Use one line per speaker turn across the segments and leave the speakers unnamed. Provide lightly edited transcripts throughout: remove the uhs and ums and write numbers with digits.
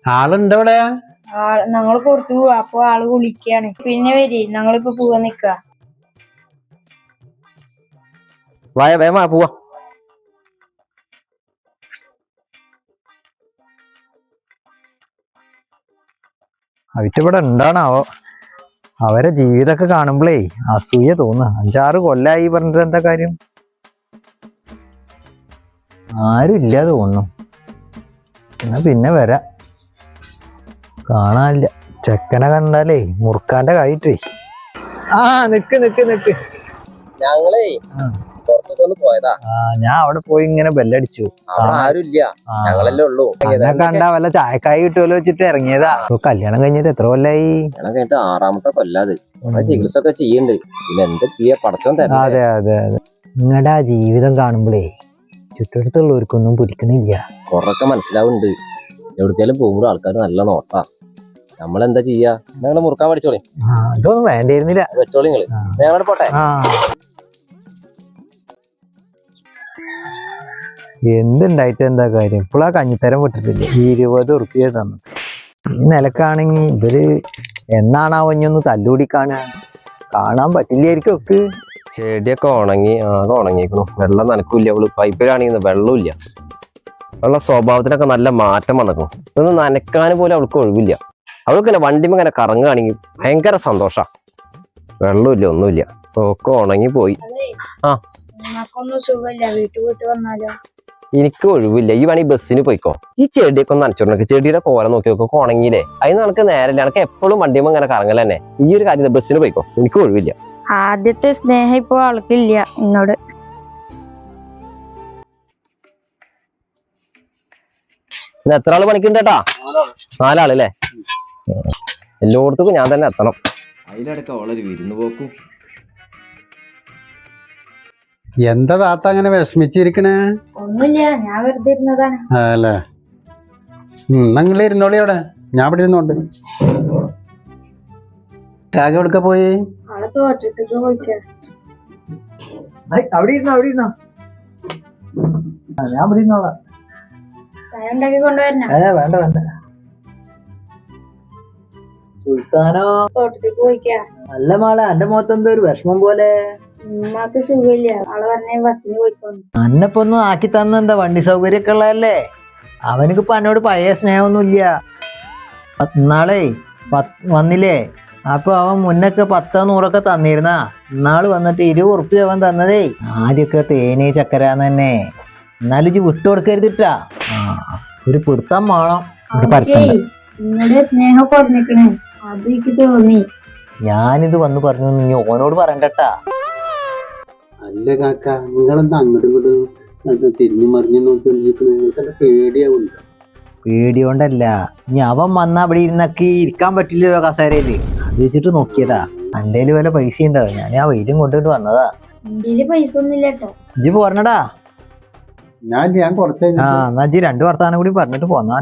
ആളുണ്ട് ഇവിടെ?
ഞങ്ങള് പുറത്തു പോവാ, അപ്പൊ ആള് വിളിക്കാണ്. പിന്നെ വരി, ഞങ്ങളിപ്പോ പോവാൻ നിക്ക.
വേഗം പോവാ.
അവറ്റിവിടെ ഉണ്ടാണാവോ? അവരെ ജീവിതമൊക്കെ കാണുമ്പോഴേ അസൂയ തോന്നുക. 5-6 കൊല്ലായി പറഞ്ഞിട്ട് എന്താ കാര്യം? ആരും ഇല്ലാതെ തോന്നുന്നു. എന്നാ പിന്നെ വരാം. കാണാനില്ല. ചെക്കനെ കണ്ടാലേ മുറുക്കാന്റെ കായിട്ടേ. നിക്ക്
ഞങ്ങളേ പുറത്തൊന്ന് പോയതാ.
ഞാൻ അവിടെ പോയി ഇങ്ങനെ ബെല്ലടിച്ചു.
ആരുമില്ല, ഞങ്ങളല്ലേ ഉള്ളൂ.
കണ്ടാ വല്ല ചായക്കായി കിട്ടുമല്ലോ വെച്ചിട്ട് ഇറങ്ങിയതാ. കല്യാണം കഴിഞ്ഞിട്ട് എത്ര കൊല്ലായി?
കല്യാണം കഴിഞ്ഞിട്ട് 6ാമത്തെ കൊല്ലാത്. ചികിത്സ ഒക്കെ ചെയ്യണ്ട്. പിന്നെ എന്താ ചെയ്യാ, പടച്ചോൻ തരാം.
അതെ നിങ്ങളുടെ ആ ജീവിതം കാണുമ്പോഴേ ചുറ്റടുത്തുള്ളവർക്കൊന്നും പിടിക്കണില്ല.
കൊറൊക്കെ മനസ്സിലാവുന്നുണ്ട്. എവിടേക്കാലും പോകുമ്പോൾ ആൾക്കാർ നല്ല നോട്ടാ. നമ്മളെന്താ ചെയ്യാ? ഞങ്ങള് മുറുക്കാൻ പഠിച്ചോളി.
ഇതൊന്നും വേണ്ടിയിരുന്നില്ല.
വെച്ചോളി നിങ്ങള്. ഞങ്ങളോട് പോട്ടെ.
എന്തുണ്ടായിട്ട് എന്താ കാര്യം? ഇപ്പോഴാ കഞ്ഞിത്തരം വിട്ടിട്ടില്ല. 20 ഉറുപ്പിക തന്നു. ഈ നിലക്കാണെങ്കി ഇവര് എന്നാണാവോ ഇഞ്ഞൊന്ന് തല്ലുകൂടി കാണാൻ പറ്റില്ലായിരിക്കും. ഒക്കെ
ചെടിയൊക്കെ ഉണങ്ങി, ആകെ ഉണങ്ങിക്കണു. വെള്ളം നനക്കൂല്ല. അവള് പൈപ്പിലാണെങ്കിൽ വെള്ളമില്ല. ഉള്ള സ്വഭാവത്തിനൊക്കെ നല്ല മാറ്റം വന്നിക്കണം. ഇതൊന്നും നനക്കാൻ പോലും അവൾക്ക് ഒഴിവില്ല. അവൾക്ക് ഇങ്ങനെ വണ്ടിമ ഇങ്ങനെ കറങ്ങുകയാണെങ്കിൽ ഭയങ്കര സന്തോഷാ. വെള്ളമില്ല, ഒന്നുമില്ല, ഒക്കെ ഉണങ്ങി പോയി. എനിക്ക് ഒഴിവില്ല. ഈ വേണമെങ്കിൽ ബസ്സിന് പോയിക്കോ. ഈ ചെടിയൊക്കെ ഒന്ന് നനച്ചോണ്ടൊക്കെ. ചെടിയുടെ കോല നോക്കി നോക്കി ഉണങ്ങിയില്ലേ? അതിന് നമുക്ക് നേരല്ല. എനിക്ക് എപ്പോഴും വണ്ടിമ ഇങ്ങനെ കറങ്ങല തന്നെ. ഈ ഒരു കാര്യം ബസ്സിന് പോയിക്കോ. എനിക്ക് ഒഴിവില്ല.
ആദ്യത്തെ സ്നേഹം ഇപ്പൊ ആൾക്കില്ല എന്നോട്.
പിന്നെ എത്ര ആള് പണിക്കുണ്ടേട്ടാ? 4 ആളല്ലേ? എല്ലായിടത്തും ഞാൻ തന്നെ എത്തണം. അതിലടക്കം അവളൊരു വിരുന്ന് പോക്കും.
എന്താ താത്ത അങ്ങനെ വിഷമിച്ചിരിക്കണേ?
ഒന്നുമില്ല, ഞാൻ വെറുതെ ഇരുന്നതാണ്.
അല്ലേ? നിങ്ങൾ ഇരുന്നോളി അവിടെ, ഞാൻ ഇവിടെ ഇരുന്നോണ്ട്. കാക എവിടുക്ക പോയി?
ആളെ തോട്ടത്തേക്ക് പോയിക്കാ.
അവിടെ ഇരുന്നോ. ഞാൻ ഇവിടെ ഇരുന്നോളാം.
ചായ ഉണ്ടാക്കി കൊണ്ടുവരണ?
വേണ്ട. സുൽത്താനോ?
തോട്ടത്തേക്ക് പോയിക്കാ.
നല്ല മാളെ, എന്റെ മുഖത്ത് എന്തോ ഒരു വിഷമം പോലെ.
ഉമ്മാക്ക് സുഖമില്ല. ആള് പറഞ്ഞ ബസ്സിന് പോയിക്കോന്നു.
അന്നപ്പൊന്നും ആക്കി തന്ന എന്താ? വണ്ടി സൗകര്യമൊക്കെ ഉള്ളതല്ലേ? അവനക്കിപ്പോ എന്നോട് പഴയ സ്നേഹമൊന്നുമില്ല. നാളെ വന്നില്ലേ? അപ്പൊ അവൻ മുന്നൊക്കെ 10-100 തന്നിരുന്നാ. ഇന്നാള് വന്നിട്ട് 20 ഉറുപ്പിക അവൻ തന്നതേ. ആദ്യമൊക്കെ തേനീ ചക്കരാന്ന് തന്നെ. എന്നാലും ഇജ്ജ് വിട്ടുകൊടുക്കരുതിട്ടാ. ഒരു പിടുത്തം വേണം.
സ്നേഹം പറഞ്ഞിക്കണേ, അത് എനിക്ക് തോന്നി.
ഞാനിത് വന്ന് പറഞ്ഞു, നീ ഓനോട് പറയണ്ടട്ടാ.
അല്ല കാക്ക, നിങ്ങളെന്താ അങ്ങോട്ടും ഇങ്ങോട്ടും തിരിഞ്ഞു മറിഞ്ഞു നോക്കിക്കൊണ്ടിരിക്കണ? പേടിയാവുണ്ട്.
പേടിയോണ്ടല്ല, ഇനി അവൻ വന്നാ അവിടെ ഇരുന്നൊക്കെ ഇരിക്കാൻ പറ്റില്ലല്ലോ കസേരയില്. അത് വെച്ചിട്ട് നോക്കിയതാ. എന്തേലും വല്ല പൈസ ഉണ്ടാവും. ഞാൻ ആ വെയിലും കൊണ്ടിട്ട് വന്നതാ.
എന്റെ പൈസ ഒന്നുമില്ല കേട്ടോ.
ഇജ്ജ് പോരണടാ.
ഞാൻ കുറച്ച്
എന്നാ ഇജ്ജ് 2 വർത്താനം കൂടി പറഞ്ഞിട്ട് പോന്നാ.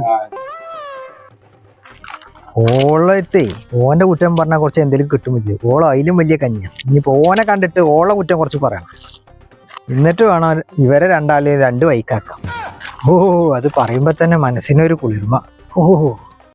ഓളത്തെ ഓന്റെ കുറ്റം പറഞ്ഞാൽ കുറച്ച് എന്തെങ്കിലും കിട്ടും വെച്ച്. ഓളോ അതിലും വലിയ കഞ്ഞിയാ. ഇനിയിപ്പോ ഓനെ കണ്ടിട്ട് ഓളെ കുറ്റം കുറച്ച് പറയണം. എന്നിട്ട് വേണം ഇവരെ 2 ആളെയും 2 വൈക്കാക്കാം. അത് പറയുമ്പോ തന്നെ മനസ്സിനൊരു കുളിർമ.